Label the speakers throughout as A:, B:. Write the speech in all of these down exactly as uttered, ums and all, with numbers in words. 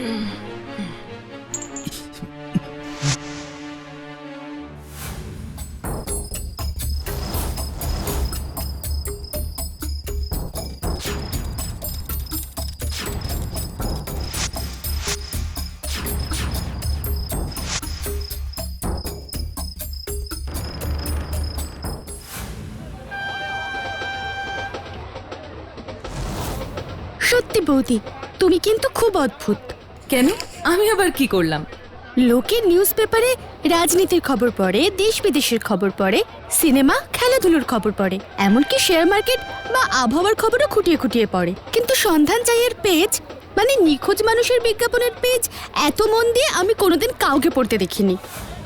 A: সত্যি বৌদি, তুমি কিন্তু খুব অদ্ভুত।
B: কেন? আমি আবার কি করলাম?
A: লোকে নিউজ পেপারে রাজনীতির খবর পড়ে, দেশ বিদেশের খবর পড়ে, সিনেমা খেলাধুলোর খবর পড়ে, এমনকি শেয়ার মার্কেট বা আবহাওয়ার খবরও খুঁটিয়ে খুঁটিয়ে পড়ে, কিন্তু সন্ধান চাইয়ের পেজ মানে নিখোঁজ মানুষের বিজ্ঞাপনের পেজ এত মন দিয়ে আমি কোনোদিন কাউকে পড়তে দেখিনি।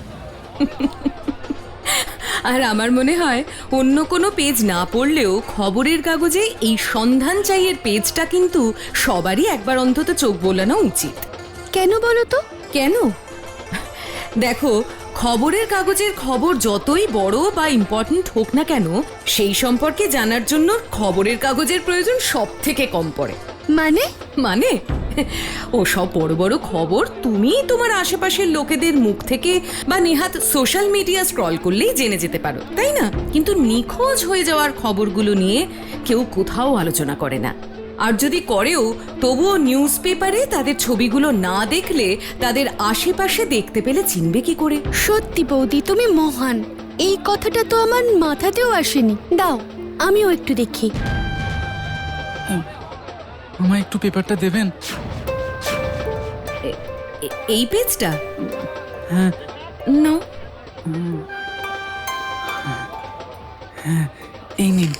B: আর আমার মনে হয় অন্য কোনো পেজ না পড়লেও খবরের কাগজে এই সন্ধান চাইয়ের পেজটা কিন্তু সবারই একবার অন্তত চোখ বোলানো উচিত।
A: কেন বলো তো?
B: কেন? দেখো, খবরের কাগজের খবর যতই বড় বা ইম্পর্ট্যান্ট হোক না কেন, সেই সম্পর্কে জানার জন্য খবরের কাগজের প্রয়োজন সব থেকে কম পড়ে।
A: মানে
B: মানে ও সব বড় বড় খবর তুমি তোমার আশেপাশের লোকেদের মুখ থেকে বা নেহাত সোশ্যাল মিডিয়া স্ক্রল করলেই জেনে যেতে পারো, তাই না? কিন্তু নিখোঁজ হয়ে যাওয়ার খবরগুলো নিয়ে কেউ কোথাও আলোচনা করে না। আর যদি করেও তবুও নিউজ পেপারে তাদের ছবিগুলো না দেখলে তাদের আশেপাশে দেখতে পেলে চিনবে কি করে?
A: সত্যি বৌদি, তুমি মহান। এই কথাটা তো আমার মাথাতেও আসেনি। দাও আমিও একটু দেখি।
C: আমায় একটু পেপারটা দেবেন?
B: এই পেজটা?
C: হ্যাঁ।
B: না,
C: হ্যাঁ, এই নিন।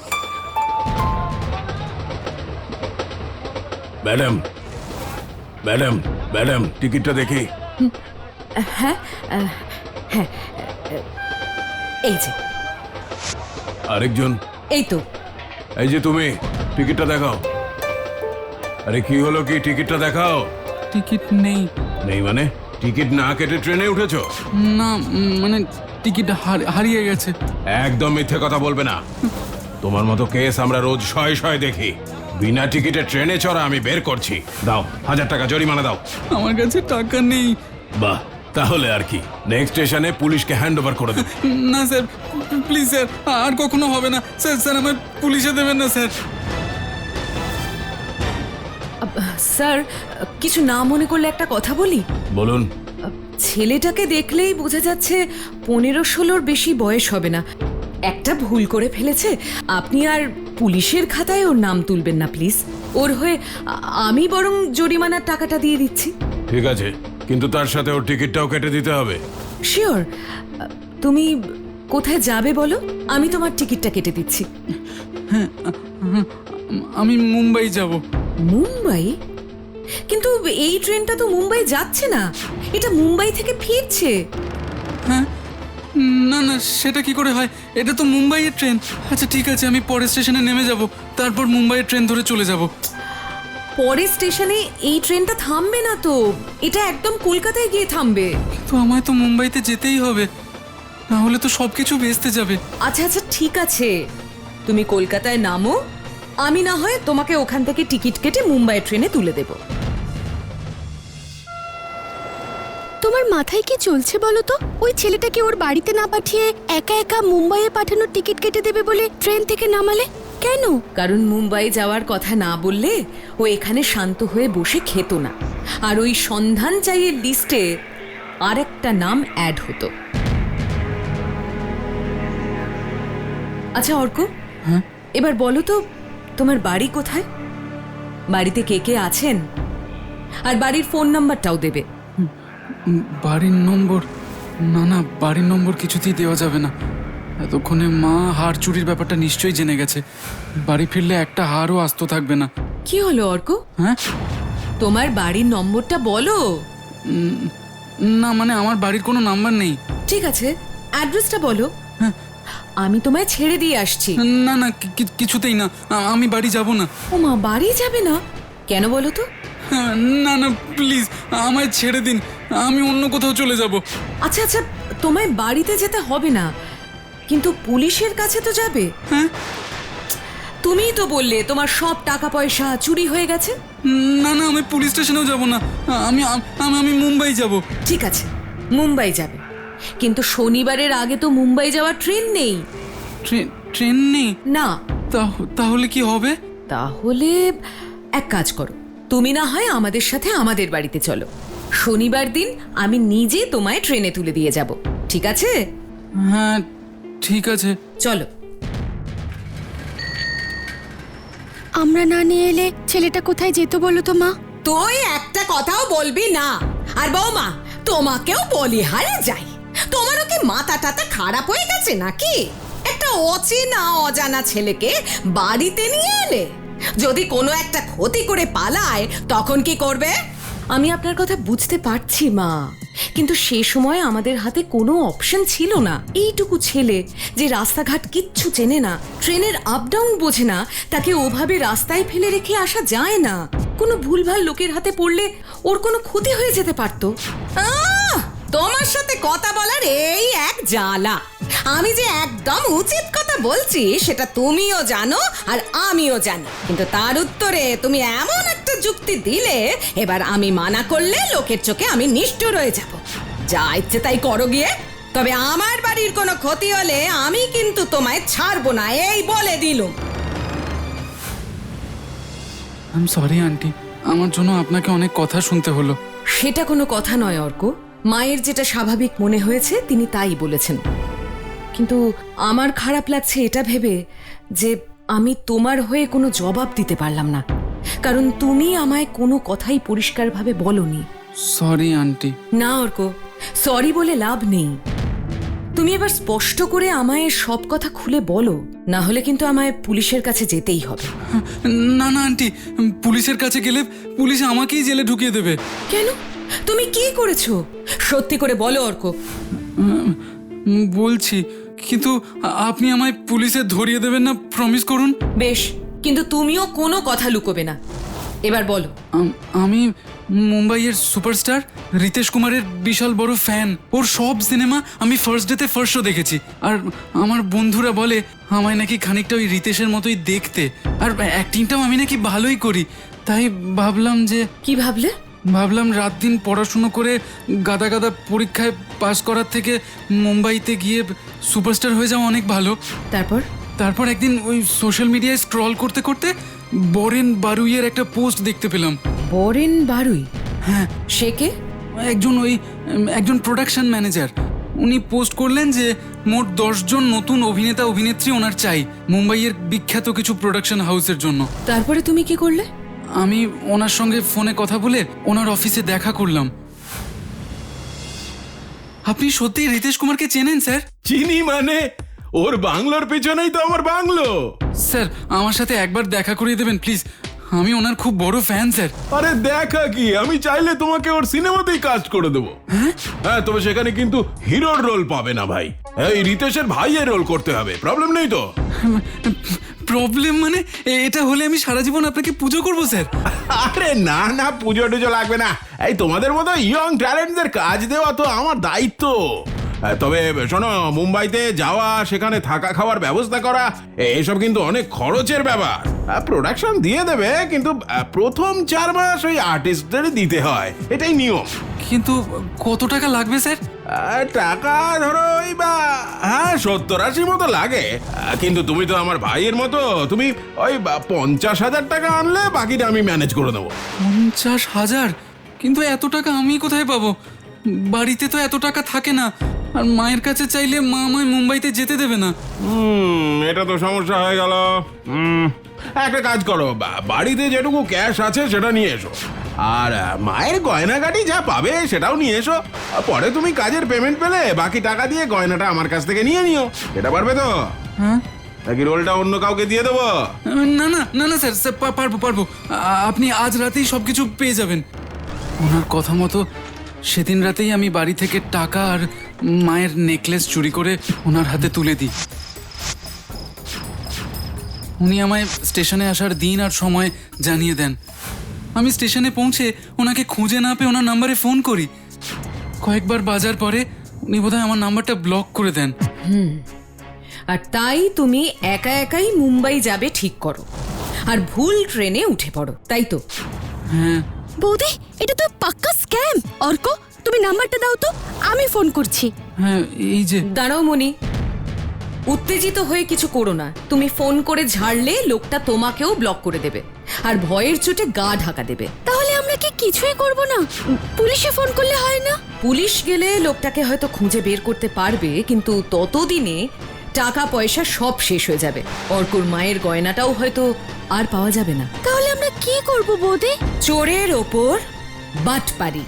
D: ম্যাডাম, ম্যাডাম, ম্যাডাম, টিকিটটা দেখি।
B: হ্যাঁ হ্যাঁ, এই যে।
D: আরেকজন?
B: এই তো।
D: এই যে তুমি, টিকিটটা দেখাও। আরে কি হলো কি, টিকিটটা দেখাও।
C: টিকিট নেই।
D: নেই মানে? টিকিট না কেটে ট্রেনে উঠেছো?
C: না, মানে টিকিট হারিয়ে গেছে।
D: একদম মিথ্যে কথা বলবে না। তোমার মতো কেস আমরা রোজ শয়ে শয়ে দেখি। বিনা টিকিটে ট্রেনে চড়া আমি বের করছি। দাও, হাজার টাকা জরিমানা দাও।
C: আমার কাছে টাকা নেই।
D: বাহ, তাহলে আর কি, নেক্সট স্টেশনে পুলিশকে হ্যান্ড ওভার করে দেবো।
C: না স্যার, প্লিজ স্যার, আর কখনো হবে না স্যার। স্যার আমার পুলিশে দেবেন না স্যার।
B: স্যার, কিছু না মনে করলে একটা কথা বলি?
D: বলুন।
B: ছেলেটাকে দেখলেই বোঝা যাচ্ছে পনেরো ষোলোর বেশি বয়স হবে না। একটা ভুল করে ফেলেছে। আপনি আর পুলিশের খাতায় ওর নাম তুলবেন না প্লিজ। ওর হয়ে আমি বরং জরিমানার টাকাটা দিয়ে দিচ্ছি।
D: ঠিক আছে, কিন্তু তার সাথে ওর টিকিটটাও কেটে দিতে হবে।
B: শিওর। তুমি কোথায় যাবে বলো, আমি তোমার টিকিটটা কেটে দিচ্ছি।
C: হ্যাঁ, আমি মুম্বাই যাব।
B: মুম্বাই? কিন্তু এই ট্রেনটা তো মুম্বাই যাচ্ছে না, এটা মুম্বাই থেকে ফিরছে।
C: হ্যাঁ, না না, সেটা কি করে হয়? এটা তো মুম্বাইয়ের ট্রেন। আচ্ছা ঠিক আছে, আমি পরের স্টেশনে নেমে যাব, তারপর মুম্বাইয়ের ট্রেন ধরে চলে যাব।
B: পরের স্টেশনে এই ট্রেনটা থামবে না তো, এটা একদম কলকাতায় গিয়ে থামবে।
C: তো আমায় তো মুম্বাইতে যেতেই হবে, না হলে তো সবকিছু ভেস্তে যাবে।
B: আচ্ছা আচ্ছা ঠিক আছে, তুমি কলকাতায় নামো, আমি না হয় তোমাকে ওখান থেকে টিকিট কেটে মুম্বাই ট্রেনে তুলে দেব।
A: তোমার মাথায় কি চলছে বলো তো? ওই ছেলেটাকে ওর বাড়িতে না পাঠিয়ে একা একা মুম্বাইয়ে পাঠানোর টিকিট কেটে দেবে বলে ট্রেন থেকে নামালে কেন?
B: কারণ মুম্বাই যাওয়ার কথা না বললে ও এখানে শান্ত হয়ে বসে খেত না, আর ওই সন্ধান চাইয়ের লিস্টে আরেকটা নাম অ্যাড হতো। আচ্ছা অর্ক,
C: হ্যাঁ,
B: এবার বলো তো তোমার বাড়ি কোথায়? বাড়িতে কে কে আছেন? আর বাড়ির ফোন নাম্বারটাও দেবে।
C: বাড়ির নম্বর? না না, বাড়ির নম্বর কিছুতেই দেওয়া যাবে না। এতক্ষণে মা হার চুরির ব্যাপারটা নিশ্চয়ই জেনে গেছে। বাড়ি ফিরলে একটা হারও আস্ত থাকবে না।
B: কি হলো অর্ক?
C: হ্যাঁ,
B: তোমার বাড়ির নম্বরটা বলো।
C: না মানে আমার বাড়ির কোনো নাম্বার নেই।
B: ঠিক আছে, অ্যাড্রেসটা বলো।
C: হ্যাঁ,
B: আমি তোমায় ছেড়ে দিয়ে আসছি।
C: না না, কি- কিছুতেই না, আমি বাড়ি যাব না।
B: ও মা, বাড়ি যাবে না কেন বলো তো?
C: না না প্লিজ, আমায় ছেড়ে দিন, আমি অন্য কোথাও চলে যাব।
B: আচ্ছা আচ্ছা, তোমায় বাড়িতে যেতে হবে না, কিন্তু পুলিশের কাছে তো যাবে।
C: হ্যাঁ,
B: তুমিই তো বললে তোমার সব টাকা পয়সা চুরি হয়ে গেছে।
C: না না, আমি পুলিশ স্টেশনেও যাব না, আমি আমি আমি মুম্বাই যাব।
B: ঠিক আছে, মুম্বাই যাবে, কিন্তু শনিবারের আগে তো মুম্বাই যাওয়ার ট্রেন নেই।
C: ট্রেন ট্রেন নেই?
B: না।
C: তাহ- তাহলে কি হবে?
B: তাহলে এক কাজ করো, তুমি না হয় আমাদের সাথে আমাদের বাড়িতে চলো। শনিবার দিন আমি নিজে তোমায় ট্রেনে তুলে দিয়ে যাব, ঠিক আছে?
C: হ্যাঁ ঠিক আছে।
B: চলো।
A: আমরা না নিয়ে এলে ছেলেটা কোথায় যেত বলো তো মা?
B: তুই একটা কথাও বলবি না। আর বৌমা, তোমাকেও বলি হারে যাই, তোমারও কি মাথা টাথা খারাপ হয়ে গেছে নাকি? একটা অচেনা অজানা ছেলেকে বাড়িতে নিয়ে এলে, যদি কোনো একটা ক্ষতি করে পালায় তখন কি করবে? আমি আপনার কথা বুঝতে পারছি মা, কিন্তু সে সময় আমাদের হাতে কোনো অপশন ছিল না। এইটুকু ছেলে যে রাস্তাঘাট কিচ্ছু চেনে না, ট্রেনের আপ ডাউন বোঝে না, তাকে ওভাবে রাস্তায় ফেলে রেখে আসা যায় না। কোনো ভুলভাল লোকের হাতে পড়লে ওর কোনো ক্ষতি হয়ে যেতে পারতো। আহ, তোমার সাথে কথা বলার এই এক জ্বালা। আমি যে একদম উচিত কথা বলছি সেটা তুমিও জানো আর আমিও জানি, কিন্তু তার উত্তরে তুমি এমন একটা যুক্তি দিলে, এবার আমি মানা করলে লোকের চোখে আমি নিষ্ঠুর হয়ে যাব। যা ইচ্ছে তাই করো গিয়ে, তবে আমার বাড়ির কোনো ক্ষতি হলে আমি কিন্তু তোমায় ছাড়বো না, এই বলে দিলুম।
C: আই এম সরি আন্টি, আমার জন্য আপনাকে অনেক কথা শুনতে হলো।
B: সেটা কোনো কথা নয় অর্ক, মায়ের যেটা স্বাভাবিক মনে হয়েছে তিনি তাই বলেছেন। কিন্তু আমার খারাপ লাগছে এটা ভেবে যে আমি তোমার হয়ে কোনো জবাব দিতে পারলাম না, কারণ তুমি আমায় কোনো কথাই পরিষ্কারভাবে বলনি।
C: Sorry aunty.
B: না অর্ক, সরি বলে লাভ নেই। তুমি এবার স্পষ্ট করে আমায় সব কথা খুলে বলো, না হলে কিন্তু আমায় পুলিশের কাছে যেতেই হবে।
C: না না আন্টি, পুলিশের কাছে গেলে পুলিশ আমাকেই জেলে ঢুকিয়ে দেবে।
B: কেন? তুমি কি করেছো? সত্যি করে বলো অর্ক।
C: উম, বলছি, কিন্তু আ- আপনি আমায় পুলিশে ধরিয়ে দেবেন না, প্রমিস করুন।
B: বেশ, কিন্তু তুমিও কোনো কথা লুকোবে না। এবার বলো।
C: আম- আমি মুম্বাইয়ের সুপারস্টার রিতেশ কুমারের বিশাল বড় ফ্যান। ওর সব সিনেমা আমি ফার্স্ট ডেতে ফার্স্ট শো দেখেছি। আর আমার বন্ধুরা বলে আমায় নাকি খানিকটা ওই রিতেশের মতোই দেখতে, আর অ্যাক্টিংটাও আমি নাকি ভালোই করি। তাই ভাবলাম যে
B: কি ভাবলে?
C: ভাবলাম রাত দিন পড়াশুনো করে গাদা গাদা পরীক্ষায় পাশ করার থেকে মুম্বাইতে গিয়ে সুপারস্টার হয়ে যাওয়া অনেক ভালো।
B: তারপর?
C: তারপর একদিন ওই সোশ্যাল মিডিয়ায় স্ক্রল করতে করতে বরেন বারুইয়ের একটা পোস্ট দেখতে পেলাম।
B: বরেন বারুই?
C: হ্যাঁ,
B: সে কে?
C: একজন ওই উম, একজন প্রোডাকশন ম্যানেজার। উনি পোস্ট করলেন যে মোট দশজন নতুন অভিনেতা অভিনেত্রী ওনার চাই মুম্বাইয়ের বিখ্যাত কিছু প্রোডাকশন হাউসের জন্য।
B: তারপরে তুমি কি করলে?
C: আমি ওনার সঙ্গে ফোনে কথা বলে ওনার অফিসে দেখা করলাম। আপনি সত্যি রিতেশ কুমারকে চেনেন স্যার?
D: চিনি মানে? ওর বাংলোর পেছনেই তো আমার বাংলো।
C: স্যার আমার সাথে একবার দেখা করিয়ে দেবেন প্লিজ, আমি ওনার খুব বড় ফ্যান স্যার।
D: আরে দেখা কি, আমি চাইলে তোমাকে ওর সিনেমাতেই কাজ করে দেবো। হ্যাঁ, তবে সেখানে কিন্তু হিরোর রোল পাবে না ভাই, এই রিতেশের ভাইয়ের রোল করতে হবে। প্রবলেম নেই তো?
C: প্রবলেম মানে? এ- এটা হলে আমি সারা জীবন আপনাকে পুজো করবো স্যার।
D: আরে না না, পুজো টুজো লাগবে না। এই তোমাদের মতো ইয়ং ট্যালেন্টদের কাজ দেওয়া তো আমার দায়িত্ব। আহ, তবে শোনো, মুম্বাইতে যাওয়া, সেখানে থাকা খাওয়ার ব্যবস্থা করা, এ- এসব কিন্তু অনেক খরচের ব্যাপার। প্রোডাকশন দিয়ে দেবে, কিন্তু আহ, প্রথম চার মাস ওই আর্টিস্টদের দিতে হয়, এটাই নিয়ম।
C: কিন্তু কত টাকা লাগবে স্যার?
D: আহ, টাকা ধরো ওই বা হ্যাঁ সত্তর আশি মতো লাগে। আহ, কিন্তু তুমি তো আমার ভাইয়ের মতো, তুমি ওই বা পঞ্চাশ হাজার টাকা আনলে বাকিটা আমি ম্যানেজ করে দেবো।
C: পঞ্চাশ হাজার? কিন্তু এত টাকা আমি কোথায় পাবো? বাড়িতে তো এত টাকা থাকে না, আর মায়ের কাছে চাইলে মা আমায় মুম্বাইতে যেতে দেবে না।
D: হুম, এটা তো সমস্যা হয়ে গেল। হুম, একটা কাজ করো, বা- বাড়িতে যেটুকু ক্যাশ আছে সেটা নিয়ে এসো, আর আহ, মায়ের গয়নাগাটি যা পাবে সেটাও নিয়ে এসো। আর পরে তুমি কাজের পেমেন্ট পেলে বাকি টাকা দিয়ে গয়নাটা আমার কাছ থেকে নিয়ে নিও। এটা পারবে তো?
C: হ্যাঁ?
D: নাকি রোলটা অন্য কাউকে দিয়ে দেবো?
C: না না না না স্যার, স্যার পা- পারবো পারবো। আ- আপনি আজ রাতেই সব কিছু পেয়ে যাবেন। ওনার কথা মতো সেদিন রাতেই আমি বাড়ি থেকে টাকা আর মায়ের নেকলেস চুরি করে ওনার হাতে তুলে দিই। উনি আমায় স্টেশনে আসার দিন আর সময় জানিয়ে দেন। আমি স্টেশনে পৌঁছে ওনাকে খুঁজে না পেয়ে ওনার নাম্বারে ফোন করি। কয়েকবার বাজার পরে উনি বোধহয় আমার নাম্বারটা ব্লক করে দেন।
B: আর তাই তুমি একা একাই মুম্বাই যাবে ঠিক করো আর ভুল ট্রেনে উঠে পড়ো, তাই তো?
C: হ্যাঁ
A: বৌদি, এটা তো পাক্কা স্ক্যাম। অর্ক, তুমি নাম্বারটা দাও তো, আমি ফোন করছি।
C: হ্যাঁ এই যে
B: দাঁড়াও মনি, উত্তেজিত হয়ে কিছু করো না। তুমি ফোন করে ঝাড়লে লোকটা তোমাকেও ব্লক করে দেবে আর ভয়ের চোটে গা ঢাকা দেবে।
A: তাহলে আমরা কি কিছুই করব না? পুলিশে ফোন করলে হয় না?
B: পুলিশ গেলে লোকটাকে হয়তো খুঁজে বের করতে পারবে, কিন্তু ততদিনে টাকা পয়সা সব শেষ হয়ে যাবে। অর্কুর মায়ের গয়নাটাও হয়তো আর পাওয়া যাবে না।
A: তাহলে আমরা কি করব বৌদি?
B: চোরের ওপর বাটপারি।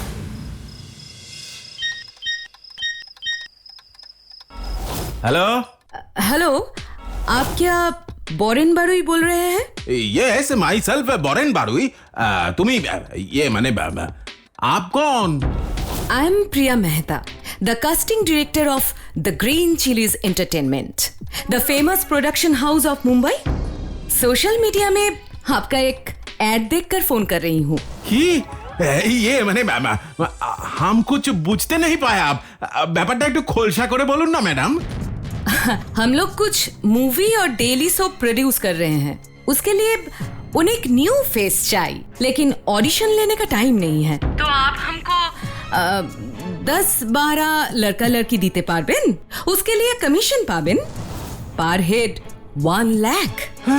D: हेलो
B: हेलो, आप क्या बोरेन बारुई बोल रहे हैं?
D: Yes myself Boren Barui. तुम्ही ये माने आप कौन?
B: I am Priya Mehta, the casting director of the Green Chilies Entertainment, the famous production house of Mumbai. Social media में आपका एक एड देखकर फोन कर रही हूँ।
D: কি ये মানে हम कुछ बुझते नहीं पाए। आप ব্যাপারটা একটু খোলসা করে বলুন না ম্যাডাম।
B: हम लोग कुछ मूवी और डेली सोप प्रोड्यूस कर रहे हैं, उसके लिए उन्हें एक न्यू फेस चाहिए, लेकिन ऑडिशन लेने का टाइम नहीं है। तो आप हमको आ, दस बारह लड़का लड़की दीते पारबेन, उसके लिए कमीशन पाबेन per head one lakh.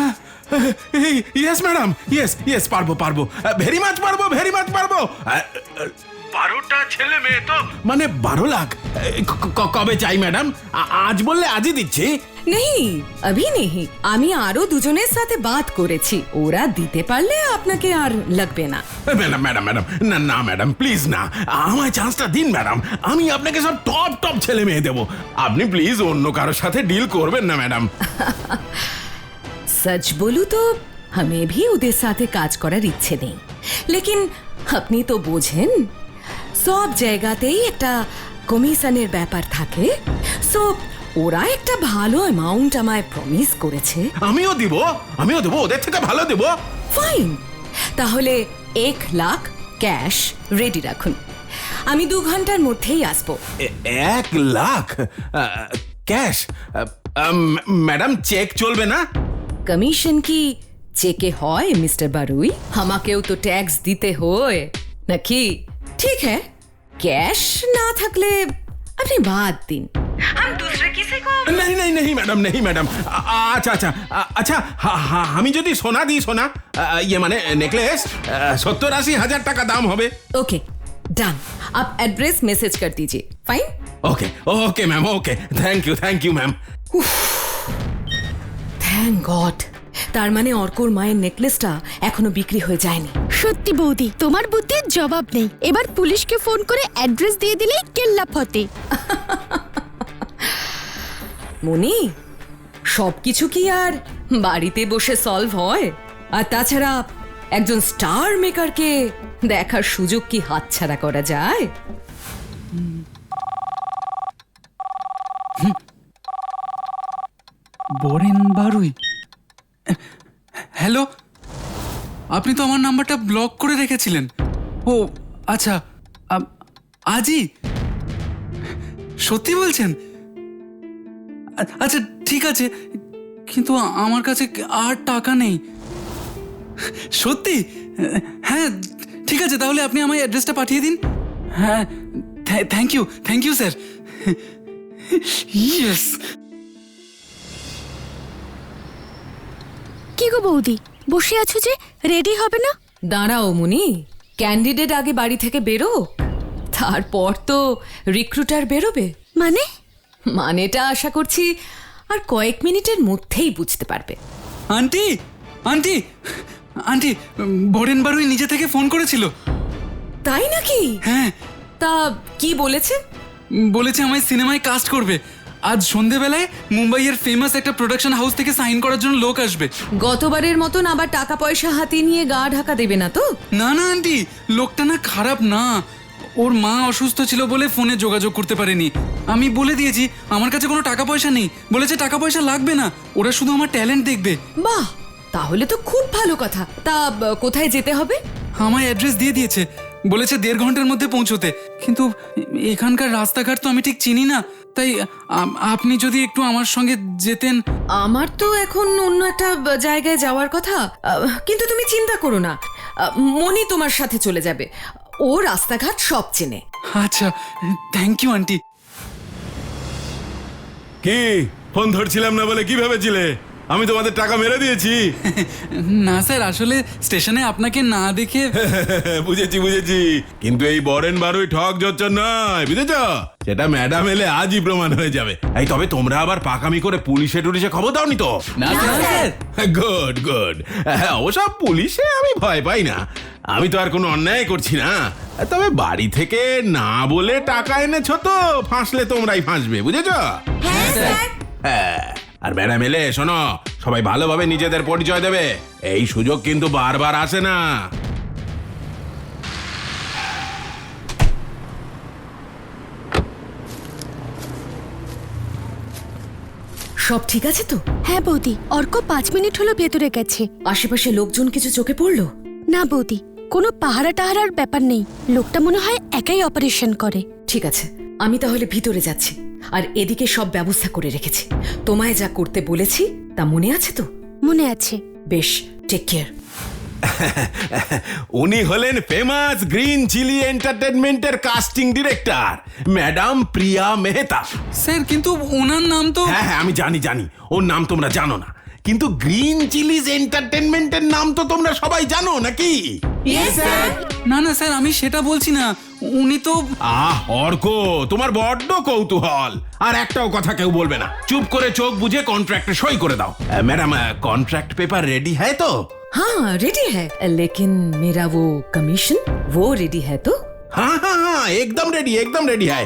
D: Yes madam, yes yes পারবো পারবো, ভেরি মাচ পারবো, ভেরি মাচ পারবো। বারোটা ছেলে মেয়ে তো মানে বারো লাখ। ক- ক- কবে চাই ম্যাডাম? আ- আজ বললে আজই দিচ্ছি।
B: नहीं अभी नहीं, আমি আরো দুজনের সাথে বাত করেছি, ওরা দিতে পারলে আপনাকে আর লাগবে না।
D: ম্যাডাম ম্যাডাম ম্যাডাম না না ম্যাডাম প্লিজ না, আমায় চান্সটা দিন ম্যাডাম। আমি আপনাকে সব টপ টপ ছেলে মেয়ে দেবো। আপনি প্লিজ অন্য কারোর সাথে ডিল করবেন না ম্যাডাম।
B: सच बोलूं तो हमें भी ওদের সাথে কাজ করার ইচ্ছে নেই, লেকিন আপনি তো বোঝেন সব জায়গাতেই একটা কমিশনের ব্যাপার থাকে। সো ওরা একটা ভালো অ্যামাউন্ট আমায় প্রমিস করেছে।
D: আমিও দিব, আমিও দেবো, ওদের থেকে ভালো দেবো।
B: ফাইন, তাহলে এক লাখ ক্যাশ রেডি রাখুন, আমি দু ঘন্টার মধ্যেই আসবো।
D: এ- এক লাখ ক্যাশ? ম্যাডাম চেক চলবে না?
B: কমিশন কি চেকে হয় মিস্টার বারুই? আমাকেও তো ট্যাক্স দিতে হয় নাকি? ঠিক হ্যাঁ, ক্যাশ না থাকলে আপনি বাদ দিন, हम दूसरे किसी को।
D: नहीं नहीं नहीं मैडम, नहीं मैडम। अच्छा अच्छा अच्छा, हाँ हाँ, আমি যদি সোনা দিই, সোনা ইয়ে মানে নেকলেস, সত্তর আশি হাজার টাকা দাম হবে।
B: ओके डन, आप एड्रेस मैसेज कर दीजिए। Fine,
D: okay okay ma'am, okay, thank you thank you ma'am.
B: Thank God. তার মানে অর্কর মায়ের নেকলেসটা এখনো বিক্রি হয়ে যায়নি।
A: সত্যি বৌদি, তোমার বুদ্ধির জবাব নেই। এবার পুলিশকে ফোন করে অ্যাড্রেস দিয়ে দিলেই কেল্লা ফতে।
B: মনি, সবকিছু কি আর বাড়িতে বসে সলভ হয়? আর তাছাড়া একজন স্টার মেকারকে দেখার সুযোগ কি হাতছাড়া করা যায়?
C: বরেন বারুই। হ্যালো, আপনি তো আমার নাম্বারটা ব্লক করে রেখেছিলেন। ও আচ্ছা, আ- আজই? সত্যি বলছেন? আ- আচ্ছা ঠিক আছে, কিন্তু আমার কাছে আর টাকা নেই। সত্যি? হ্যাঁ ঠিক আছে, তাহলে আপনি আমার অ্যাড্রেসটা পাঠিয়ে দিন। হ্যাঁ, thank you thank you sir. Yes.
A: কি গো বৌদি, বসে আছো যে, রেডি হবে না?
B: দাঁড়াও মুনি, ক্যান্ডিডেট আগে বাড়ি থেকে বেরো, তারপর তো রিক্রুটার বেরোবে।
A: মানে?
B: মানেটা আশা করছি আর কয়েক মিনিটের মধ্যেই বুঝতে পারবে।
C: Auntie auntie auntie, Baren Barui নিজে থেকে ফোন করেছিল।
B: তাই নাকি?
C: হ্যাঁ,
B: তা কি বলেছে?
C: বলেছে আমায় সিনেমায় কাস্ট করবে। আজ সন্ধেবেলায় মুম্বাইয়ের ফেমাস একটা প্রোডাকশন হাউস থেকে সাইন করার জন্য লোক আসবে।
B: গতবারের মতন আবার টাকা পয়সা হাতে নিয়ে গা ঢাকা দেবে না তো?
C: না না আন্টি, লোকটা না খারাপ না, ওর মা অসুস্থ ছিল বলে ফোনে যোগাযোগ করতে পারেনি। আমি বলে দিয়েছি আমার কাছে কোনো টাকা পয়সা নেই, বলেছে টাকা পয়সা লাগবে না, ওরা শুধু আমার ট্যালেন্ট দেখবে।
B: বাহ, তাহলে তো খুব ভালো কথা। তা ব- কোথায় যেতে হবে?
C: আমায় অ্যাড্রেস দিয়ে দিয়েছে, বলেছে দেড় ঘন্টার মধ্যে পৌঁছোতে। কিন্তু এখানকার রাস্তাঘাট তো আমি ঠিক চিনি না, তাই আ- আপনি যদি একটু আমার সঙ্গে যেতেন।
B: আমার তো এখন অন্য একটা জায়গায় যাওয়ার কথা, আহ, কিন্তু তুমি চিন্তা করো না, আহ, মনি তোমার সাথে চলে যাবে। ও রাস্তাঘাট সব চেনে।
C: আচ্ছা, থ্যাংক ইউ আন্টি।
D: কি ফোন ধরছিলাম না বলে কি ভেবেছিলে আমি তোমাদের টাকা মেরে দিয়েছি?
C: না স্যার, আসলে স্টেশনে আপনাকে না দেখে।
D: বুঝেছি বুঝেছি, কিন্তু এই বরেন বারুই ঠক জচ্চর নয়, বুঝেছ? সেটা ম্যাডাম এলে আজই প্রমাণ হয়ে যাবে। এই তবে তোমরা আবার পাকামি করে পুলিশে টুলিশে খবর দাওনি তো?
C: না স্যার।
D: Good good. অবশ্য পুলিশে আমি ভয় পাই না, আমি তো আর কোনো অন্যায় করছি না। তবে বাড়ি থেকে না বলে টাকা এনেছো তো, ফাঁসলে তোমরাই ফাঁসবে, বুঝেছ? হ্যাঁ। আর ম্যাডাম এলে শোনো, সবাই ভালোভাবে নিজেদের পরিচয় দেবে, এই সুযোগ কিন্তু বারবার আসে না।
B: সব ঠিক আছে তো?
A: হ্যাঁ বৌদি, অর্ক পাঁচ মিনিট হলো ভেতরে গেছে।
B: আশেপাশে লোকজন কিছু চোখে পড়লো?
A: না বৌদি, কোনো পাহারা টাহারার ব্যাপার নেই। লোকটা মনে হয় একাই অপারেশন করে।
B: ঠিক আছে, আমি তাহলে ভিতরে যাচ্ছি, আর এদিকে সব ব্যবস্থা করে রেখেছি। তোমায় যা করতে বলেছি তা মনে আছে তো?
A: মনে আছে।
B: বেশ, টেক কেয়ার।
D: উনি হলেন ফেমাস গ্রিন চিলি এন্টারটেনমেন্টের casting director madam Priya Mehta.
C: Sir, কিন্তু ওনার নাম তো।
D: হ্যাঁ হ্যাঁ আমি জানি জানি, ওর নাম তোমরা জানো না, কিন্তু গ্রিন চিলিজ এন্টারটেনমেন্টের নাম তো তোমরা সবাই জানো নাকি?
C: না না স্যার, আমি সেটা বলছি না। উনি তো।
D: আহ অর্ক, তোমার বড্ড কৌতূহল, আর একটাও কথা কেউ বলবে না। চুপ করে চোখ বুঝে কন্ট্রাক্টে সই করে দাও। Ah, madam, contract paper ready হ্যায় তো?
B: हाँ रेडी है, लेकिन मेरा वो कमीशन वो रेडी है तो?
D: हाँ हाँ हाँ एकदम रेडी एकदम रेडी है।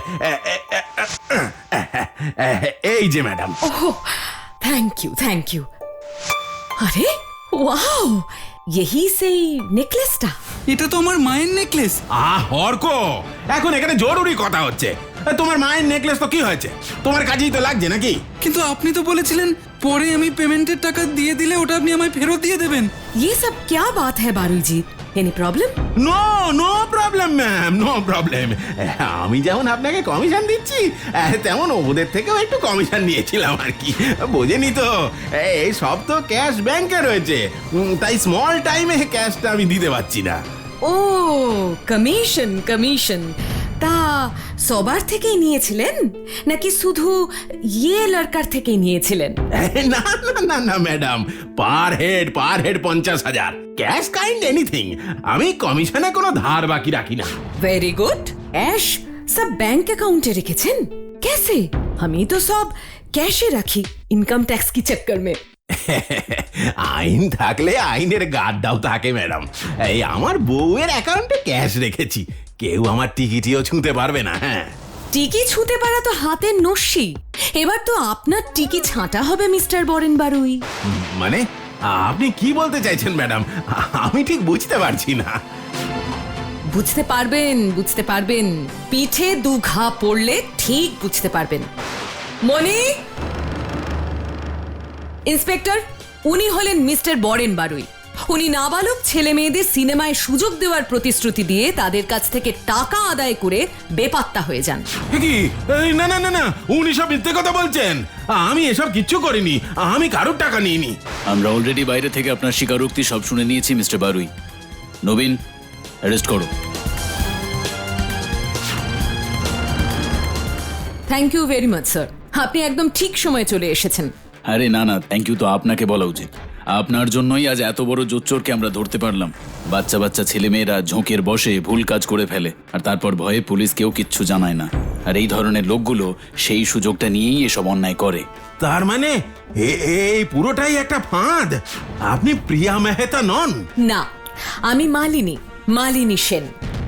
D: এই যে madam.
B: Oh thank you thank you. अरे वाओ, यही से नेकलेसটা?
C: এটা তো আমার মায়ের নেকলেস।
D: আহ অর্ক, এখন এখানে জরুরি কথা হচ্ছে। তোমার মায়ের নেকলেস তো কি হয়েছে? তোমার কাজেই তো লাগছে নাকি?
C: কিন্তু আপনি তো বলেছিলেন পরে আমি পেমেন্টের টাকা দিয়ে দিলে ওটা আপনি আমায় ফেরত দিয়ে দেবেন।
B: ये सब क्या बात है Baru ji? Any problem?
D: No no problem ma'am, no problem. আমি যেমন আপনাকে কমিশন দিচ্ছি, তেমন ওদের থেকেও একটু কমিশন নিয়েছিলাম আর কি, বোঝেনি তো? এই সব তো ক্যাশ ব্যাংকে রয়েছে, উম, তাই স্মল টাইমে ক্যাশটা আমি দিতে পারছি না।
B: ও কমিশন কমিশন, তা সবার থেকেই নিয়েছিলেন নাকি শুধু ইয়ে লড়কার থেকেই নিয়েছিলেন?
D: না না না না madam, per head per head পঞ্চাশ হাজার, ক্যাশ কাইন্ড এনিথিং। আমি কমিশনে কোনো ধার বাকি রাখি না।
B: Very good. ऐश सब बैंक अकाउंटे রেখেছেন? कैसे? আমি তো সব ক্যাশে রাখি ইনকাম ট্যাক্স কি চক্কর में।
D: আইন থাকলে আইনের গার্ডটাও থাকে ম্যাডাম। এই আমার বউয়ের অ্যাকাউন্টে ক্যাশ রেখেছি, কেউ আমার টিকিটিও ছুঁতে পারবে না। হ্যাঁ,
B: টিকি ছুঁতে পারা তো হাতের নস্যি। এবার তো আপনার টিকি ছাঁটা হবে মিস্টার বরেন বারুই।
D: মানে আপনি কি বলতে চাইছেন ম্যাডাম? আমি ঠিক বুঝতে পারছি না।
B: বুঝতে পারবেন বুঝতে পারবেন, পিঠে দু ঘা পড়লে ঠিক বুঝতে পারবেন। মনি, ইন্সপেক্টর, উনি হলেন মিস্টার বরেন বারুই। উনি নাবালক ছেলে মেয়েদের সিনেমায় সুযোগ দেওয়ার প্রতিশ্রুতি দিয়ে তাদের কাছ থেকে টাকা আদায় করে বেপাত্তা হয়ে যান।
D: কি? এই, না না না না, উনি সব মিথ্যে কথা বলছেন। আমি এসব কিচ্ছু করিনি, আমি কারোর টাকা নিইনি।
E: আমরা অলরেডি বাইরে থেকে আপনার স্বীকারোক্তি সব শুনে নিয়েছি মিস্টার বারুই। নবীন, অ্যারেস্ট করো।
B: Thank you very much sir, আপনি একদম ঠিক সময়ে চলে এসেছেন।
E: আরে না না, থ্যাংক ইউ তো আপনাকে বলা উচিত। আপনার জন্যই আজ এত বড় জোচ্চোরকে আমরা ধরতে পারলাম। বাচ্চা বাচ্চা ছেলেমেয়েরা ঝোঁকের বসে ভুল কাজ করে ফেলে, আর তারপর ভয়ে পুলিশ কেউ কিচ্ছু জানায় না। আর এই ধরনের লোকগুলো সেই সুযোগটা নিয়েই এসব অন্যায় করে।
D: তার মানে এ- এই পুরোটাই একটা ফাঁদ? আপনি প্রিয়া মেহতা নন?
B: না, আমি মালিনী, মালিনী সেন।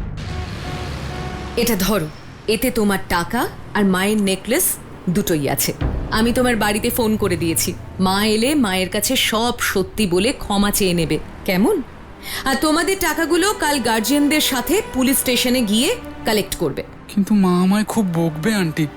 B: এটা ধরো, এতে তোমার টাকা আর মায়ের নেকলেস দুটোই আছে। আমি তোমার বাড়িতে ফোন করে দিয়েছি, মা এলে মায়ের কাছে সব সত্যি বলে ক্ষমা চেয়ে নেবে, কেমন? আর তোমাদের টাকাগুলো কাল গার্জিয়ানদের সাথে পুলিশ স্টেশনে গিয়ে কালেক্ট করবে।
C: কিন্তু মা আমায় খুব বকবে আন্টি।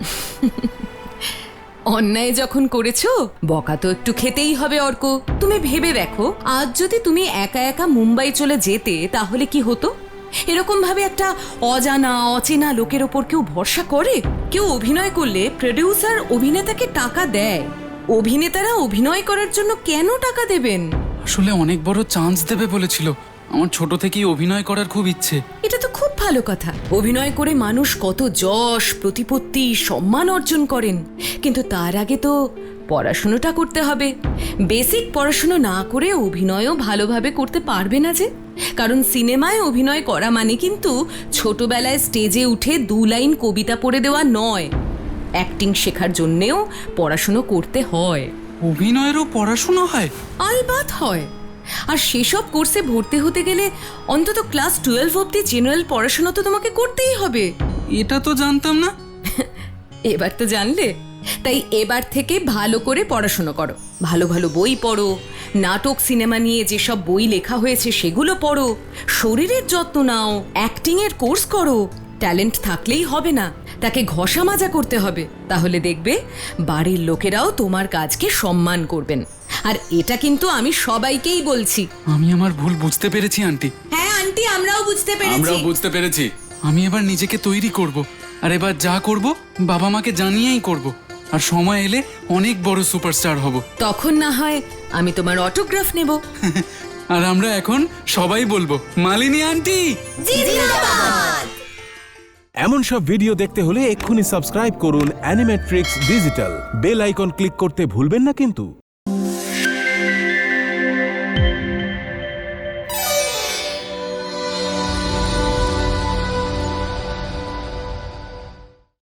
B: অন্যায় যখন করেছো, বকা তো একটু খেতেই হবে অর্ক। তুমি ভেবে দেখো, আজ যদি তুমি একা একা মুম্বাই চলে যেতে তাহলে কি হতো? এরকম ভাবে একটা অজানা অচেনা লোকের ওপর কেউ ভরসা করে? কেউ অভিনয় করলে প্রোডিউসার অভিনেতাকে টাকা দেয়, অভিনেতারা অভিনয় করার জন্য কেন টাকা দেবেন?
C: আসলে অনেক বড় চান্স দেবে বলেছিল। আমার ছোট থেকেই অভিনয় করার খুব ইচ্ছে।
B: এটা তো খুব ভালো কথা। অভিনয় করে মানুষ কত যশ, প্রতিপত্তি, সম্মান অর্জন করেন, কিন্তু তার আগে তো পড়াশোনাটা করতে হবে। বেসিক পড়াশোনা না করে অভিনয়ও ভালোভাবে করতে পারবে না যে। কারণ সিনেমায় অভিনয় করা মানে কিন্তু ছোটবেলায় স্টেজে উঠে দু লাইন কবিতা পড়ে দেওয়া নয়। অ্যাক্টিং শেখার জন্যেও পড়াশুনো করতে হয়।
C: অভিনয়েরও পড়াশোনা হয়?
B: আলবাত হয়। আর সেসব কোর্সে ভর্তি হতে গেলে অন্তত ক্লাস টুয়েলভ অব্দি জেনারেল পড়াশোনা তো তোমাকে করতেই হবে।
C: এটা তো জানতাম না।
B: এবার তো জানলে। তাই এবার থেকে ভালো করে পড়াশোনা করো, ভালো ভালো বই পড়ো, নাটক সিনেমা নিয়ে যেসব বই লেখা হয়েছে সেগুলো পড়ো, শরীরের যত্ন নাও, অ্যাক্টিং এর কোর্স করো। ট্যালেন্ট থাকলেই হবে না, তাকে ঘষা মাজা করতে হবে। তাহলে দেখবে বাড়ির লোকেরাও তোমার কাজকে সম্মান করবেন। আর এটা কিন্তু আমি সবাইকেই বলছি।
C: আমি আমার ভুল বুঝতে পেরেছি আন্টি।
B: হ্যাঁ আন্টি, আমরাও বুঝতে পেরেছি।
C: আমরাও বুঝতে পেরেছি। আমি এবার নিজেকে তৈরি করব, আর এবার যা করব বাবা মাকে জানিয়েই করব, আর সময় এলে অনেক বড় সুপারস্টার হব।
B: তখন না হয় আমি তোমার অটোগ্রাফ নেব।
C: আর আমরা এখন সবাই বলবো মালিনী আন্টি।
F: এমন সব ভিডিও দেখতে হলে এক্ষুনি সাবস্ক্রাইব করুন Animatrix digital. Bell icon click করতে ভুলবেন না কিন্তু।